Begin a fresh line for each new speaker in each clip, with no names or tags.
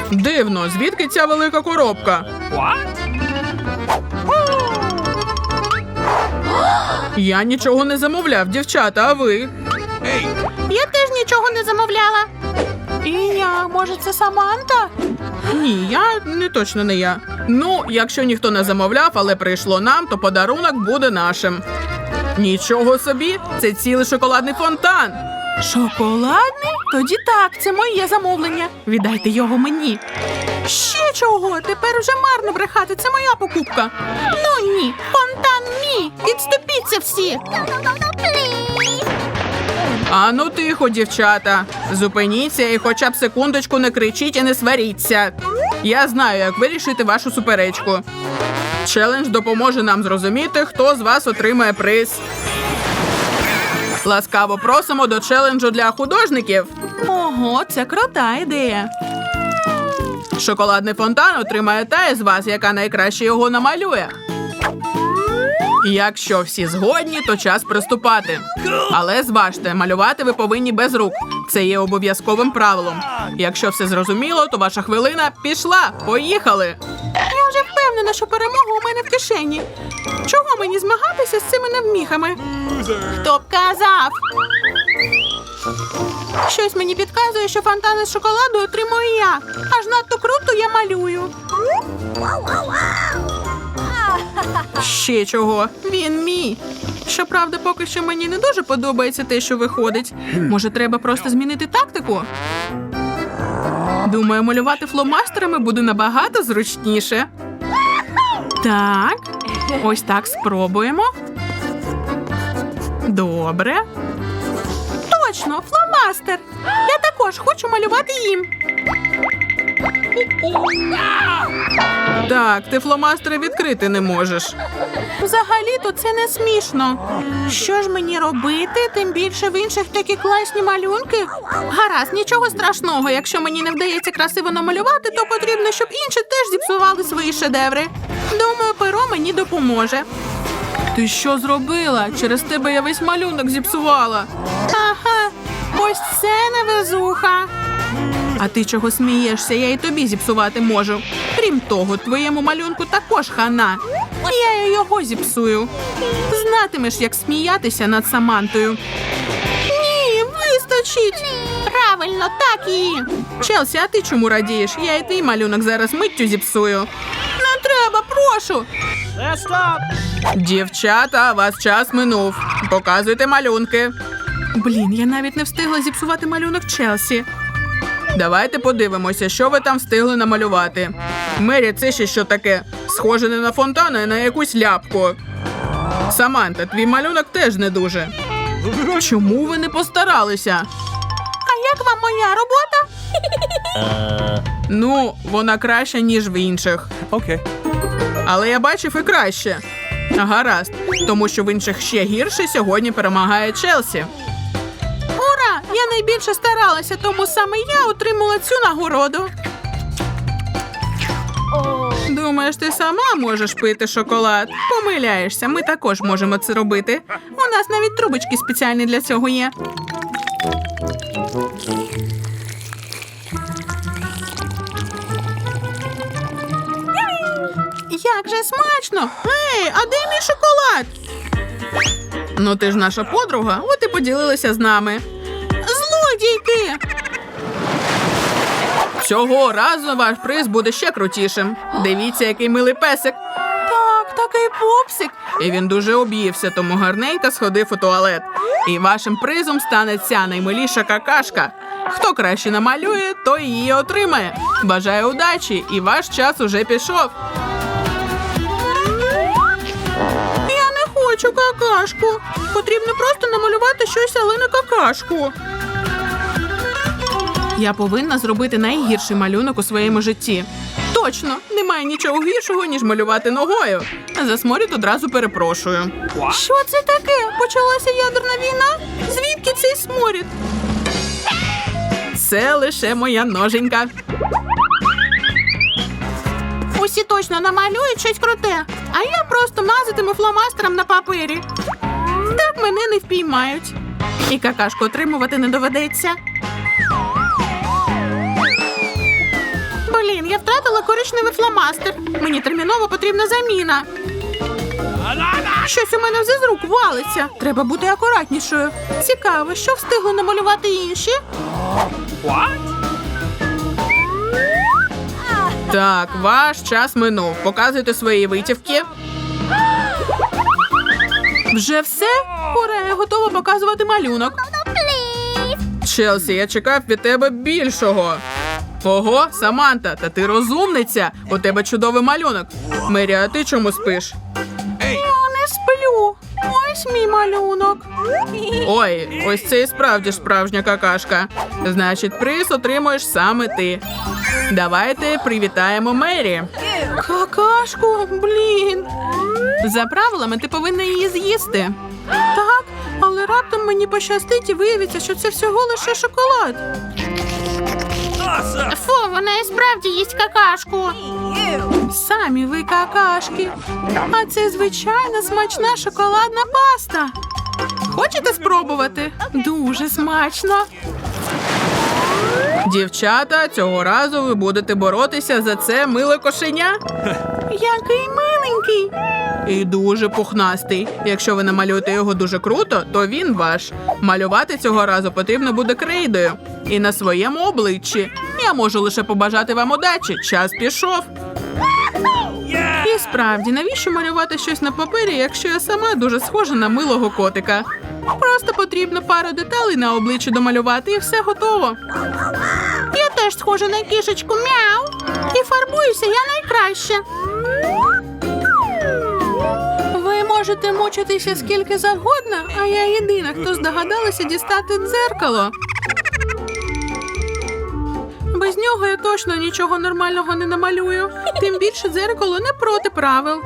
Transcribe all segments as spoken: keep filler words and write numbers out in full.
Дивно, звідки ця велика коробка? Я нічого не замовляв, дівчата, а ви?
Я теж нічого не замовляла. І я, може, це Саманта?
Ні, я не точно не я. Ну, якщо ніхто не замовляв, але прийшло нам, то подарунок буде нашим. Нічого собі, це цілий шоколадний фонтан.
Шоколадний? Тоді так, це моє замовлення. Віддайте його мені. Ще чого? Тепер вже марно брехати, це моя покупка. Ну ні, фонтан мій. Відступіться всі.
Ану тихо, дівчата. Зупиніться і хоча б секундочку не кричіть і не сваріться. Я знаю, як вирішити вашу суперечку. Челендж допоможе нам зрозуміти, хто з вас отримає приз. Ласкаво просимо до челенджу для художників.
Ого, це крута ідея.
Шоколадний фонтан отримає та із вас, яка найкраще його намалює. Якщо всі згодні, то час приступати. Але зважте, малювати ви повинні без рук. Це є обов'язковим правилом. Якщо все зрозуміло, то ваша хвилина пішла. Поїхали!
Я вже впевнена, що перемога у мене в кишені. Чого мені змагатися з цими невміхами? Хто б казав? Щось мені підказує, що фонтани з шоколаду отримую я. Аж надто круто я малюю.
Ще чого?
Він мій. Щоправда, поки що мені не дуже подобається те, що виходить. Може, треба просто змінити тактику?
Думаю, малювати фломастерами буде набагато зручніше.
Так, ось так спробуємо.
Добре.
Точно, фломастер. Я також хочу малювати їм.
Так, ти фломастери відкрити не можеш.
Взагалі-то це не смішно. Що ж мені робити? Тим більше в інших такі класні малюнки. Гаразд, нічого страшного. Якщо мені не вдається красиво намалювати, то потрібно, щоб інші теж зіпсували свої шедеври. Думаю, перо мені допоможе.
Ти що зробила? Через тебе я весь малюнок зіпсувала.
Ага, ось це невезуха.
А ти чого смієшся? Я і тобі зіпсувати можу. Крім того, твоєму малюнку також хана. Я і його зіпсую. Знатимеш, як сміятися над Самантою.
Ні, вистачить. Правильно, так і.
Челсі, а ти чому радієш? Я і твій малюнок зараз миттю зіпсую.
Не треба, прошу.
Дівчата, вас час минув. Показуйте малюнки.
Блін, я навіть не встигла зіпсувати малюнок Челсі.
Давайте подивимося, що ви там встигли намалювати. Мері, це ще що таке? Схоже не на фонтан, а на якусь ляпку. Саманта, твій малюнок теж не дуже. Чому ви не постаралися?
А як вам моя робота?
Ну, вона краща, ніж в інших.
Окей.
Але я бачив і краще. Гаразд, тому що в інших ще гірше сьогодні перемагає Челсі.
Ура! Я найбільше старалася, тому саме я отримала цю нагороду.
Думаєш, ти сама можеш пити шоколад? Помиляєшся, ми також можемо це робити.
У нас навіть трубочки спеціальні для цього є. Як же смачно! Ей, а де мій шоколад?
Ну ти ж наша подруга, от і поділилася з нами.
Злодійки!
Цього разу ваш приз буде ще крутішим. Дивіться, який милий песик.
Так, такий пупсик.
І він дуже об'ївся, тому гарненько сходив у туалет. І вашим призом стане ця наймиліша какашка. Хто краще намалює, той її отримає. Бажаю удачі, і ваш час уже пішов.
Я не хочу какашку. Потрібно просто намалювати щось, але не какашку.
Я повинна зробити найгірший малюнок у своєму житті. Точно, немає нічого гіршого, ніж малювати ногою. За сморід одразу перепрошую.
Що це таке? Почалася ядерна війна? Звідки цей сморід?
Це лише моя ноженька.
Усі точно намалюють щось круте, а я просто мазатиму фломастером на папері. Так мене не впіймають.
І какашку отримувати не доведеться.
втратила коричневий фломастер. Мені терміново потрібна заміна. Щось у мене вже з рук валиться. Треба бути акуратнішою. Цікаво, що встигли намалювати інші?
Так, ваш час минув. Показуйте свої витівки.
Вже все? Ура, я готова показувати малюнок.
Челсі, я чекав від тебе більшого. Ого, Саманта, та ти розумниця. У тебе чудовий малюнок. Мері, а ти чому спиш?
Я не сплю. Ось мій малюнок.
Ой, ось це і справді справжня какашка. Значить, приз отримуєш саме ти. Давайте привітаємо Мері.
Какашку, блін.
За правилами ти повинна її з'їсти.
Так, але раптом мені пощастить і виявиться, що це всього лише шоколад. Фу, вона і справді їсть какашку. Самі ви какашки. А це звичайна смачна шоколадна паста. Хочете спробувати? Дуже смачно.
Дівчата, цього разу ви будете боротися за це миле кошеня.
Який миленький.
І дуже пухнастий. Якщо ви намалюєте його дуже круто, то він ваш. Малювати цього разу потрібно буде крейдою. І на своєму обличчі. Я можу лише побажати вам удачі. Час пішов.
І справді, навіщо малювати щось на папері, якщо я сама дуже схожа на милого котика? Просто потрібно пару деталей на обличчі домалювати і все готово. Я теж схожа на кішечку, мяу. І фарбуюся я найкраще. Ви можете мучитися скільки завгодно, а я єдина, хто здогадалася дістати дзеркало. Без нього я точно нічого нормального не намалюю. Тим більше дзеркало не проти правил.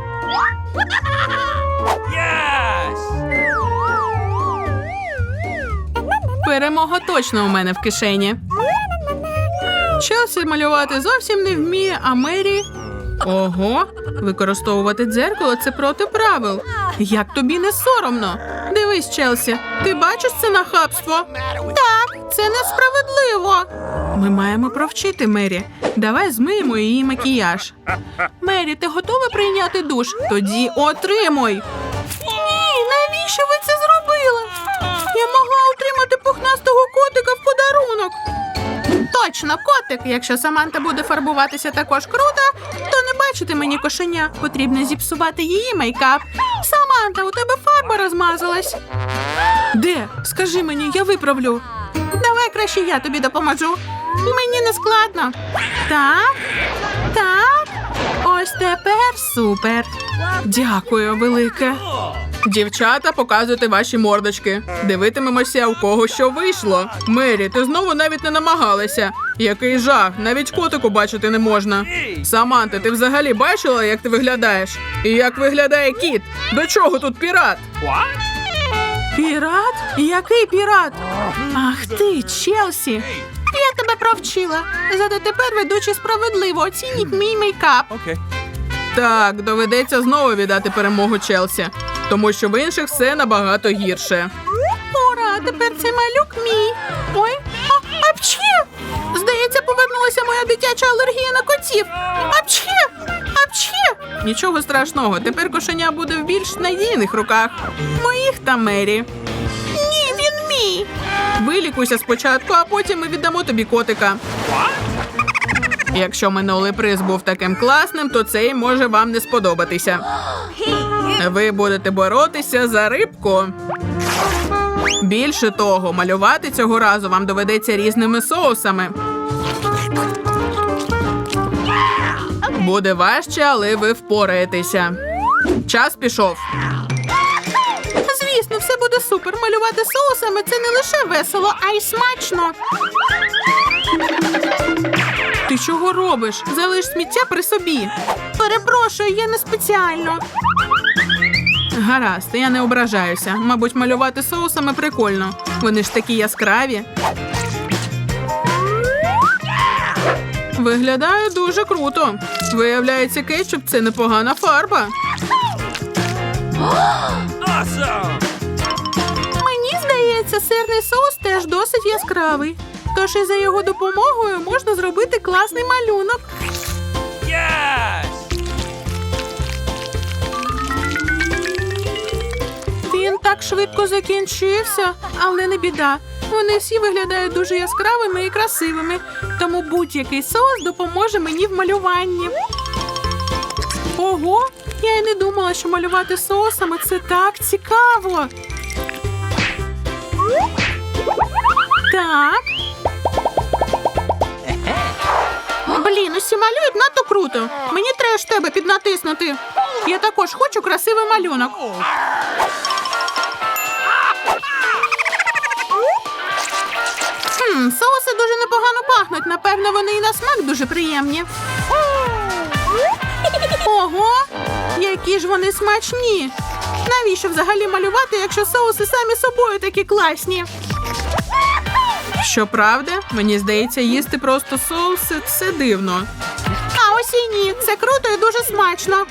Перемога точно у мене в кишені.
Челсі малювати зовсім не вміє, а Мері...
Ого, використовувати дзеркало – це проти правил.
Як тобі не соромно? Дивись, Челсі, ти бачиш це нахабство? Так, це несправедливо.
Ми маємо провчити Мері. Давай змиємо її макіяж.
Мері, ти готова прийняти душ?
Тоді отримуй.
Ні, навіщо ви це зробили? Я могла отримати пухнастого котика в подарунок. Точно, котик. Якщо Саманта буде фарбуватися також круто, то не бачити мені кошеня. Потрібно зіпсувати її мейкап. Саманта, у тебе фарба розмазалась.
Де? Скажи мені, я виправлю.
Давай краще я тобі допоможу. Мені не складно. Так, так. Ось тепер супер.
Дякую, велике. Дівчата, показуйте ваші мордочки. Дивитимемося, у кого що вийшло. Мері, ти знову навіть не намагалася. Який жах, навіть котику бачити не можна. Саманта, ти взагалі бачила, як ти виглядаєш? І як виглядає кіт? До чого тут пірат?
Пірат? Який пірат? Ах ти, Челсі. Я тебе провчила. Зате тепер ведучі справедливо оцініть мій мейкап.
Так, доведеться знову віддати перемогу Челсі. Тому що в інших все набагато гірше.
Ура, тепер цей малюк мій. Ой, а, апчхі! Здається, повернулася моя дитяча алергія на котів. Апчхі! Апчхі!
Нічого страшного, тепер кошеня буде в більш надійних руках. Моїх та Мері.
Ні, він мій.
Вилікуйся спочатку, а потім ми віддамо тобі котика. Якщо минулий приз був таким класним, то цей може вам не сподобатися. Ви будете боротися за рибку. Більше того, малювати цього разу вам доведеться різними соусами. Буде важче, але ви впораєтеся. Час пішов.
Звісно, все буде супер. Малювати соусами – це не лише весело, а й смачно.
Ти чого робиш? Залиш сміття при собі.
Перепрошую, я не спеціально.
Гаразд, я не ображаюся. Мабуть, малювати соусами прикольно. Вони ж такі яскраві. Виглядає дуже круто. Виявляється, кетчуп – це непогана фарба.
Мені здається, сирний соус теж досить яскравий. Тож і за його допомогою можна зробити класний малюнок. так швидко закінчився, але не біда. Вони всі виглядають дуже яскравими і красивими, тому будь-який соус допоможе мені в малюванні. Ого, я й не думала, що малювати соусами – це так цікаво. Так. Блін, усі малюють надто круто. Мені треба ж тебе піднатиснути. Я також хочу красивий малюнок. Хм, соуси дуже непогано пахнуть. Напевно, вони і на смак дуже приємні. Ого, які ж вони смачні. Навіщо взагалі малювати, якщо соуси самі собою такі класні?
Щоправда, мені здається, їсти просто соуси – це дивно.
А ось і ні, це круто і дуже смачно.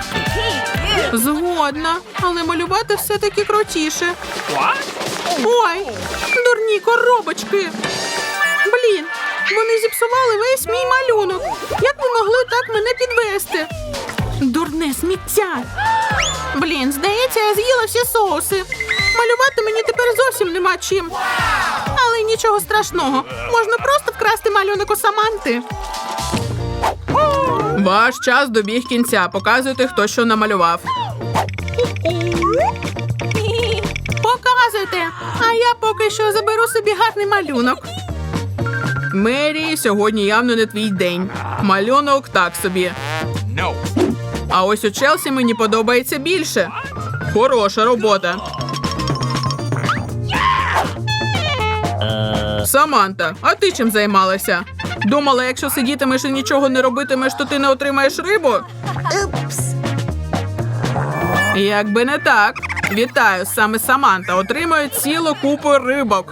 Згодна, але малювати все-таки крутіше.
Ой, дурні коробочки. Блін, вони зіпсували весь мій малюнок. Як ви могли так мене підвести? Дурне сміття. Блін, здається, я з'їла всі соуси. Малювати мені тепер зовсім нема чим. Але нічого страшного. Можна просто вкрасти малюнок у Саманти.
Ваш час добіг кінця. Показуйте, хто що намалював.
Показуйте, а я поки що заберу собі гарний малюнок.
Мері, сьогодні явно не твій день. Малюнок так собі. А ось у Челсі мені подобається більше. Хороша робота. Саманта, а ти чим займалася? Думала, якщо сидітимеш і нічого не робитимеш, то ти не отримаєш рибу? Якби не так. Вітаю, саме Саманта отримує цілу купу рибок.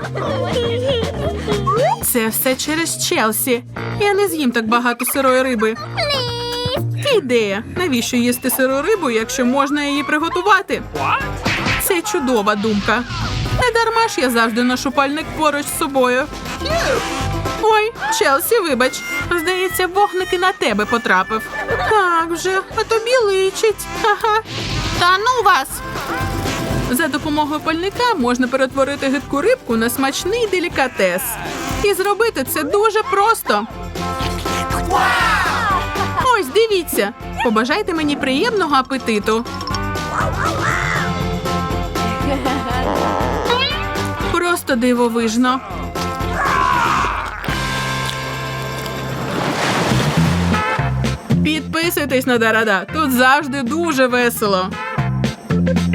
Це все через Челсі. Я не з'їм так багато сирої риби.
Ідея. Навіщо їсти сиру рибу, якщо можна її приготувати? Це чудова думка. Не дарма ж я завжди ношу пальник поруч з собою. Ой, Челсі, вибач. Здається, вогник і на тебе потрапив.
Так вже, а тобі личить. Ага. Та ну вас!
За допомогою пальника можна перетворити гидку рибку на смачний делікатес. І зробити це дуже просто. Ось, дивіться. Побажайте мені приємного апетиту. Просто дивовижно. Підписуйтесь на Дарада. Тут завжди дуже весело.